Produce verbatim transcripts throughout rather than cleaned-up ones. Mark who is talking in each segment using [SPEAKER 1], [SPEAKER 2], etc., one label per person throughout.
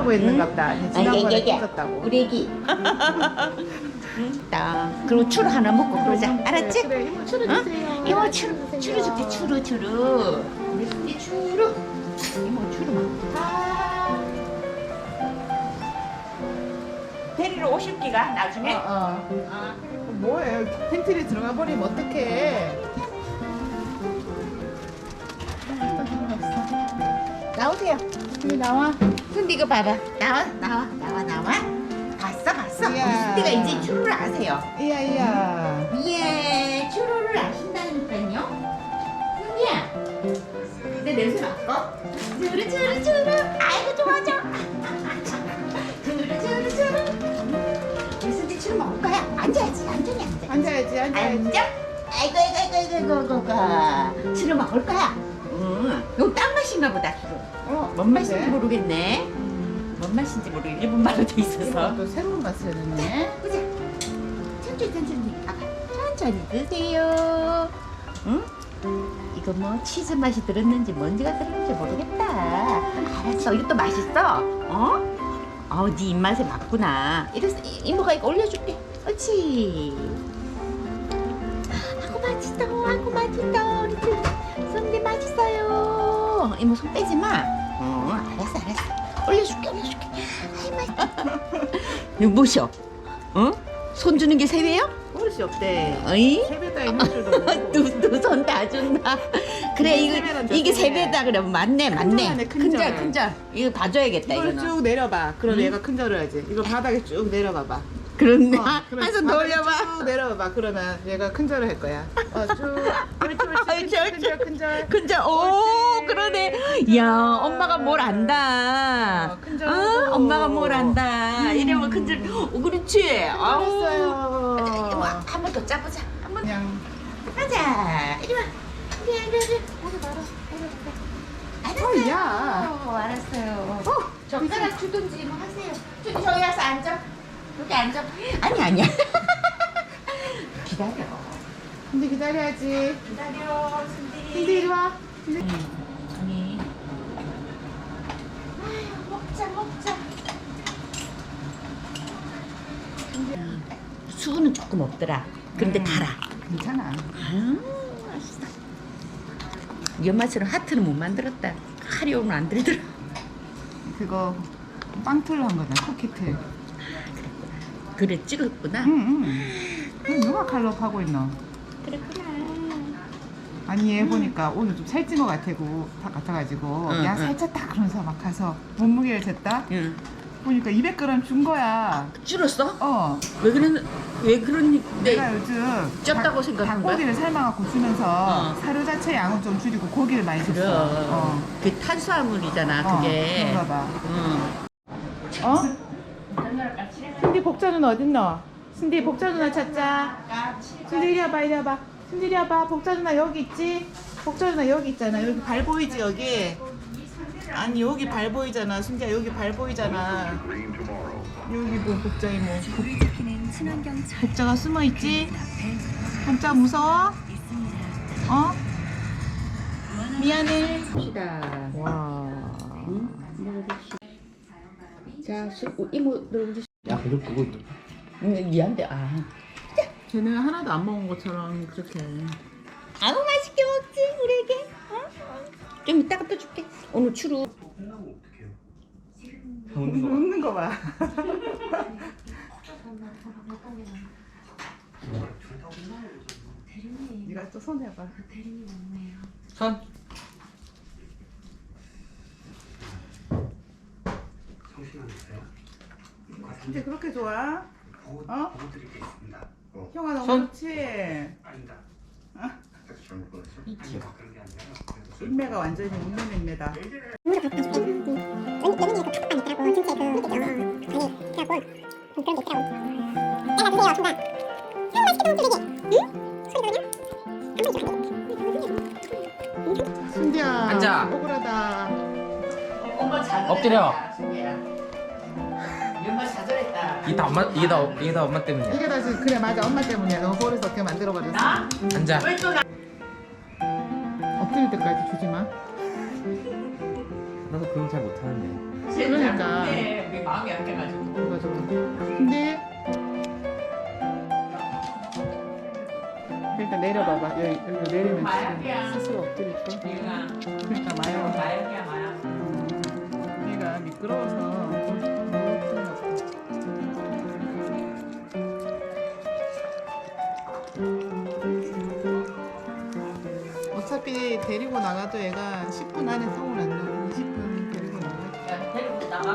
[SPEAKER 1] 춤추라고 했는가 보다. 아니, 지난번에 춤췄다고.
[SPEAKER 2] 우리 애기. 딱 그리고 추루 하나 먹고 그러자. 알았지?
[SPEAKER 1] 그래, 이모 추루 주세요.
[SPEAKER 2] 이모 추루 추루 줄게. 추루 추루. 우리 순디 추루. 이모 추루 막. 데리러 오실 기가 나중에.
[SPEAKER 1] 어, 어.
[SPEAKER 2] 아.
[SPEAKER 1] 뭐해? 팬트리 들어가 버리면 어떡해? 나오세요. 여기 나와.
[SPEAKER 2] 순디 이거 봐봐. 나와 나와 나와 나와. 봤어 봤어. 우리
[SPEAKER 1] 이야.
[SPEAKER 2] 순디가 이제 추루를 아세요.
[SPEAKER 1] 이야 이야.
[SPEAKER 2] 예, 추루를 아신다니까요. 순디야. 내 냄새 맡고. 추루 추루 추루. 아이고 좋아 좋아. 추루 추루 추루. 우리 순디 추루 먹을 거야. 앉아야지 앉으니 앉아.
[SPEAKER 1] 앉아야지 앉아야지.
[SPEAKER 2] 앉아. 아이고 아이고 아이고 아이고 아이고 아이고. 추루 먹을 거야. 응. 이거 딴 맛인가 보다 추루.
[SPEAKER 1] 어,
[SPEAKER 2] 뭔 맛인지 모르겠네. 뭔 맛인지 모르겠네. 일본 말로 돼 있어서.
[SPEAKER 1] 또 새로운 맛을 했네.
[SPEAKER 2] 보자. 천천히 천천히. 아가 천천히 드세요. 응? 이거 뭐 치즈 맛이 들었는지 뭔지가 들었는지 모르겠다. 알았어. 이것도 맛있어. 어? 어, 네 입맛에 맞구나. 이래서 이- 이모가 이거 올려줄게. 옳지. 아이고 맛있다. 아이고 맛있다. 우리 순대 맛있어요. 이모 손 빼지 마. 어, 알았어 알았어. 올려줄게 올려줄게. 아이 맛있다. 이거 뭐셔? 어? 손 주는 게 세배요?
[SPEAKER 1] 버릇이 없대.
[SPEAKER 2] 어이?
[SPEAKER 1] 세배다 있는 줄도 모르고.
[SPEAKER 2] 두손 다 준다. 그래
[SPEAKER 1] 이게
[SPEAKER 2] 이거
[SPEAKER 1] 세배란다,
[SPEAKER 2] 이게
[SPEAKER 1] 세배.
[SPEAKER 2] 세배다 그래 맞네 맞네.
[SPEAKER 1] 큰절하네, 큰절.
[SPEAKER 2] 큰절 큰절. 이거 봐줘야겠다
[SPEAKER 1] 이걸
[SPEAKER 2] 이거는.
[SPEAKER 1] 쭉 내려봐. 그럼
[SPEAKER 2] 응?
[SPEAKER 1] 얘가 큰 절을 하지. 이거 바닥에 쭉 내려봐봐.
[SPEAKER 2] 그렇네.
[SPEAKER 1] 어, 그럼
[SPEAKER 2] 한 손 더
[SPEAKER 1] 바닥에
[SPEAKER 2] 올려봐.
[SPEAKER 1] 쭉 내려봐봐. 그러면 얘가 큰 절을 할 거야. 어, 쭉. 옳지, 옳지.
[SPEAKER 2] 옳지, 옳지.
[SPEAKER 1] 큰 절, 큰 절.
[SPEAKER 2] 큰절. 오
[SPEAKER 1] 옳지.
[SPEAKER 2] 그러네.
[SPEAKER 1] 큰절.
[SPEAKER 2] 야 엄마가 뭘 안다.
[SPEAKER 1] 어, 큰절.
[SPEAKER 2] 어, 엄마가 뭘 안다.
[SPEAKER 1] 음.
[SPEAKER 2] 이러면 큰절. 오 그렇지. 아우.
[SPEAKER 1] 잘했어요.
[SPEAKER 2] 한 번 더 짜보자. 한 번.
[SPEAKER 1] 그냥.
[SPEAKER 2] 가자. 이리 와. 이리 와 이리 와. 오늘 바로.
[SPEAKER 1] 어, 야.
[SPEAKER 2] 어, 알았어요.
[SPEAKER 1] 어,
[SPEAKER 2] 젓가락 주든지 뭐 하세요. 저기 저기 와서 앉아. 여기 앉아. 아니 아니야. 기다려.
[SPEAKER 1] 근데 기다려야지.
[SPEAKER 2] 기다려, 순디.
[SPEAKER 1] 근데 이리 와.
[SPEAKER 2] 아니. 아유, 먹자 먹자. 수분은 조금 없더라. 그런데
[SPEAKER 1] 음.
[SPEAKER 2] 달아.
[SPEAKER 1] 괜찮아.
[SPEAKER 2] 아유, 맛있어. 연마처럼 하트는 못 만들었다. 카리오는 안 들더라.
[SPEAKER 1] 그거 빵틀로 한 거잖아. 쿠키틀.
[SPEAKER 2] 그래 찍었구나.
[SPEAKER 1] 응, 응. 누가 칼로 파고 있노?
[SPEAKER 2] 그랬구나.
[SPEAKER 1] 아니 얘 보니까 오늘 좀 살찐 것 같아고 다 같아가지고
[SPEAKER 2] 응,
[SPEAKER 1] 야
[SPEAKER 2] 응.
[SPEAKER 1] 살쪘다 그러면서 막 가서 몸무게를 쟀다
[SPEAKER 2] 응.
[SPEAKER 1] 보니까 이백 그램 준 거야.
[SPEAKER 2] 줄었어?
[SPEAKER 1] 어.
[SPEAKER 2] 왜 그런 왜 그런
[SPEAKER 1] 내가 요즘
[SPEAKER 2] 쪘다고
[SPEAKER 1] 닭-
[SPEAKER 2] 생각한 거야?
[SPEAKER 1] 닭고기를 삶아갖고 주면서
[SPEAKER 2] 어.
[SPEAKER 1] 사료 자체 양은 좀 줄이고 고기를 많이 줬어.
[SPEAKER 2] 그럼
[SPEAKER 1] 어.
[SPEAKER 2] 그 탄수화물이잖아
[SPEAKER 1] 어,
[SPEAKER 2] 그게.
[SPEAKER 1] 그런가 봐.
[SPEAKER 2] 응.
[SPEAKER 1] 어? 순디 복자 누나 어딨노? 순디 복자 누나 찾자. 순디 이리 와봐 이리 와봐. 순디 이리 와봐. 복자 누나 여기 있지? 복자 누나 여기 있잖아. 여기 발 보이지 여기? 아니 여기 발 보이잖아. 순디야 여기 발 보이잖아. 여기 뭐 복자 이모. 복- 복자가 숨어 있지? 복자 무서워? 어? 미안해.
[SPEAKER 2] 봅시다.
[SPEAKER 1] 와.
[SPEAKER 2] 자, 수, 어, 이모 들어보시.
[SPEAKER 3] 야, 그거 그거
[SPEAKER 2] 응, 미안데 아.
[SPEAKER 1] 쟤는 하나도 안 먹은 것처럼 그렇게.
[SPEAKER 2] 아우 맛있게 먹지 우리 애기. 어? 좀 이따가 또 줄게. 오늘 추루.
[SPEAKER 3] 먹는 거.
[SPEAKER 1] 웃는 거 봐. 네가 또 손 해봐.
[SPEAKER 3] 손.
[SPEAKER 1] 근데 그렇게 좋아? 어? 형아 너무
[SPEAKER 3] 손.
[SPEAKER 1] 좋지? 인매가 완전히 웃는 인매다. 순디야.
[SPEAKER 3] 앉아.
[SPEAKER 1] 억울하다.
[SPEAKER 2] 엄마 자절했다.
[SPEAKER 3] 엎드려.
[SPEAKER 2] 엄마 자절했다.
[SPEAKER 3] 이게 다 엄마 이게 다 이게 다 엄마 때문이야.
[SPEAKER 1] 이게 다 지금 그래 맞아 엄마 때문이야. 너 버릇 어떻게 만들어버렸어.
[SPEAKER 2] 나?
[SPEAKER 3] 앉아.
[SPEAKER 2] 왜 또 나?
[SPEAKER 1] 엎드릴 때까지 주지 마.
[SPEAKER 3] 나도 그런 거 잘 못하는데.
[SPEAKER 1] 그러니까.
[SPEAKER 2] 네. 마음이 약해가지고.
[SPEAKER 1] 그래가지고. 근데 일단 내려봐봐. 여기, 여기 내리면
[SPEAKER 2] 마약이야.
[SPEAKER 1] 지금 스스로 엎드릴 거.
[SPEAKER 2] 얘가
[SPEAKER 1] 그러니까 마약.
[SPEAKER 2] 마약이야 마약.
[SPEAKER 1] 얘가 미끄러워서 못 들어갔어. 어차피 데리고 나가도 얘가 십 분 안에 똥을 안 넣어. 이십 분 데리고 나가.
[SPEAKER 2] 야, 데리고 나가.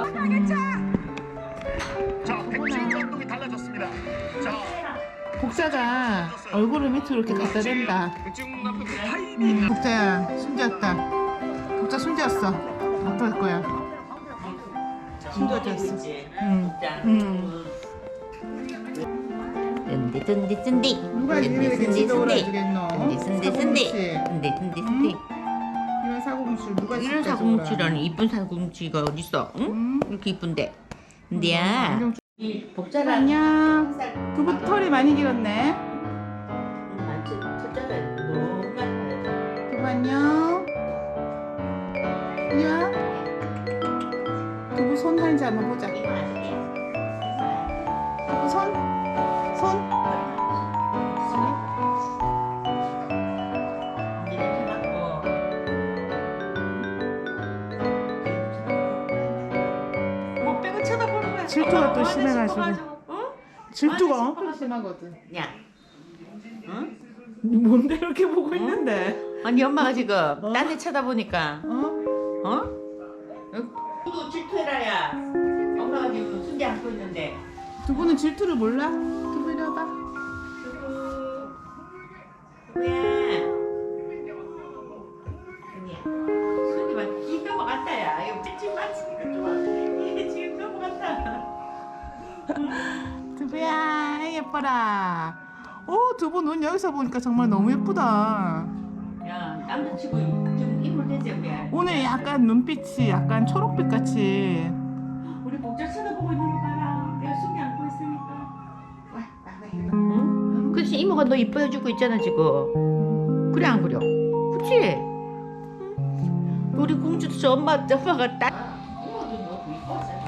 [SPEAKER 4] 자, 백지영 감독이 달라졌습니다. 자,
[SPEAKER 1] 복사가 얼굴을 밑으로 이렇게 갖다 댄다.
[SPEAKER 4] 백지영 감독 타임이
[SPEAKER 1] 음, 복자야, 숨졌다. 복자 숨졌어. 어떨 거야? 숨졌어. 응. 응.
[SPEAKER 2] 든디 든디 든디.
[SPEAKER 1] 누가 니를 이렇게 지도를 해주겠노?
[SPEAKER 2] 든디 든디 든디. 든디 든디 든디.
[SPEAKER 1] 이런 사고뭉치를 누가
[SPEAKER 2] 이런
[SPEAKER 1] 진짜
[SPEAKER 2] 사고뭉치라니 이쁜 사고뭉치가 어딨어? 응?
[SPEAKER 1] 응?
[SPEAKER 2] 이렇게 이쁜데. 근데야.
[SPEAKER 1] 안경
[SPEAKER 2] 이
[SPEAKER 1] 좀-
[SPEAKER 2] 복자랑
[SPEAKER 1] 안녕. 두부 털이 많이 길었네.
[SPEAKER 2] 첫째가 너무 많다.
[SPEAKER 1] 두부 안녕. 이리 와. 두부 손 하는지 한번 보자.
[SPEAKER 2] 이거 아시게?
[SPEAKER 1] 두부 손? 손?
[SPEAKER 2] 못 빼고 쳐다보는 거야.
[SPEAKER 1] 질투가 또
[SPEAKER 2] 엄마
[SPEAKER 1] 심해가지고.
[SPEAKER 2] 싶어가지고. 어?
[SPEAKER 1] 질투가 엄청 심하거든.
[SPEAKER 2] 야, 응?
[SPEAKER 1] 뭔데 이렇게 보고 있는데?
[SPEAKER 2] 아니 엄마가 지금 딴 데 쳐다보니까,
[SPEAKER 1] 어?
[SPEAKER 2] 어? 너도 질투해라야. 엄마가 지금 순대 안고 있는데.
[SPEAKER 1] 두부는 질투를 몰라? 두부 이리 와봐.
[SPEAKER 2] 누구야? 아니야. 순이 막 이 넘어갔다 야. 이거 삐ጭ 맞으니까 좋아. 이게 지금 넘어갔다.
[SPEAKER 1] 두부야 예뻐라. 오 두부 눈 여기서 보니까 정말 너무 예쁘다.
[SPEAKER 2] 야, 남자치고 좀 인물 되지 우리.
[SPEAKER 1] 오늘 약간 눈빛이 약간 초록빛 같이.
[SPEAKER 2] 우리 목젖 쳐다보고 있는 거 봐라. 내가 숨이 안고 있으니까. 와, 나가. 응? 그렇지 이모가 너 이뻐해주고 있잖아 지금. 그래 안 그래? 그렇지? 우리 공주도 저 엄마 엄마가 딱. 이모도 너무 이뻐하잖아.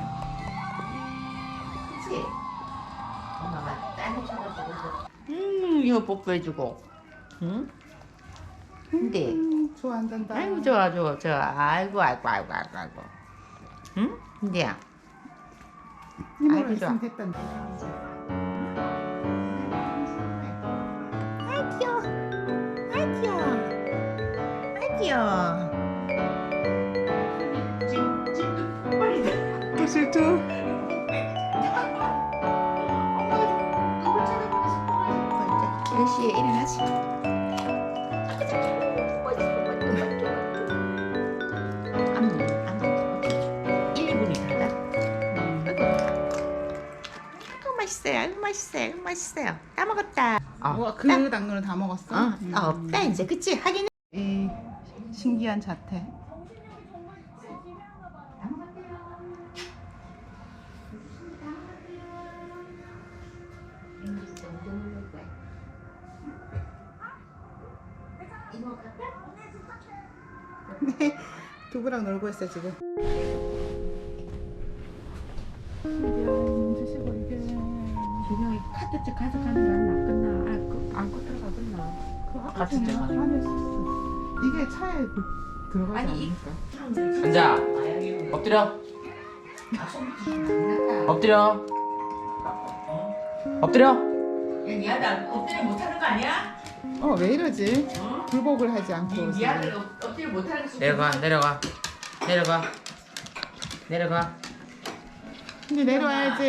[SPEAKER 2] 그렇지? 엄마가 딴데 쳐다보고 있어. 음, 이거 뽀뽀해주고. 응? 근데.
[SPEAKER 1] 음, 좋아한단다.
[SPEAKER 2] 아이고 좋아 좋아 좋아. 아이고 아이고 아이고 아이고 아이고. 응? 근데야.
[SPEAKER 1] 이모랑
[SPEAKER 2] 아이고,
[SPEAKER 1] 있으면
[SPEAKER 2] 좋아.
[SPEAKER 1] 됐단다.
[SPEAKER 2] 아이 귀여워. 아이 귀여워. 아이 귀여워. 지금 지금 뽀뽀리다.
[SPEAKER 1] 또 질투?
[SPEAKER 2] 엄마가 누굴 쳐다보고 싶어가지고 이제 몇 시에 일어나지? 안무 안무 일, 이 분이 다다. 아이고 맛있어요. 아이고 맛있어요. 아이고 맛있어요. 다 먹었다.
[SPEAKER 1] 와,
[SPEAKER 2] 어,
[SPEAKER 1] 그
[SPEAKER 2] 딱.
[SPEAKER 1] 당근을 다 먹었어?
[SPEAKER 2] 어,
[SPEAKER 1] 음.
[SPEAKER 2] 어, 없다 이제 그치? 하긴
[SPEAKER 1] 이 신기한 자태. 두부랑 놀고 있어 지금. 드시고 이게.
[SPEAKER 2] 준영이 카드집 가져가는 게 낫겠나? 안고 안고 들어가겠나?
[SPEAKER 1] 그
[SPEAKER 3] 같이
[SPEAKER 1] 안에
[SPEAKER 3] 들어가네.
[SPEAKER 1] 안에 있었어. 이게 차에 그- 들어가지
[SPEAKER 2] 아니, 이-
[SPEAKER 1] 않으니까.
[SPEAKER 3] 앉아. 엎드려. 엎드려. 엎드려.
[SPEAKER 2] 미아들 엎드려 못하는 거 아니야?
[SPEAKER 1] 어 왜 이러지?
[SPEAKER 2] 어?
[SPEAKER 1] 굴복을 하지 않고.
[SPEAKER 2] 미- 미아들 엎- 엎드려 못하는 거
[SPEAKER 3] 내려가 내려가 내려가 내려가.
[SPEAKER 1] 근데 내려와야지.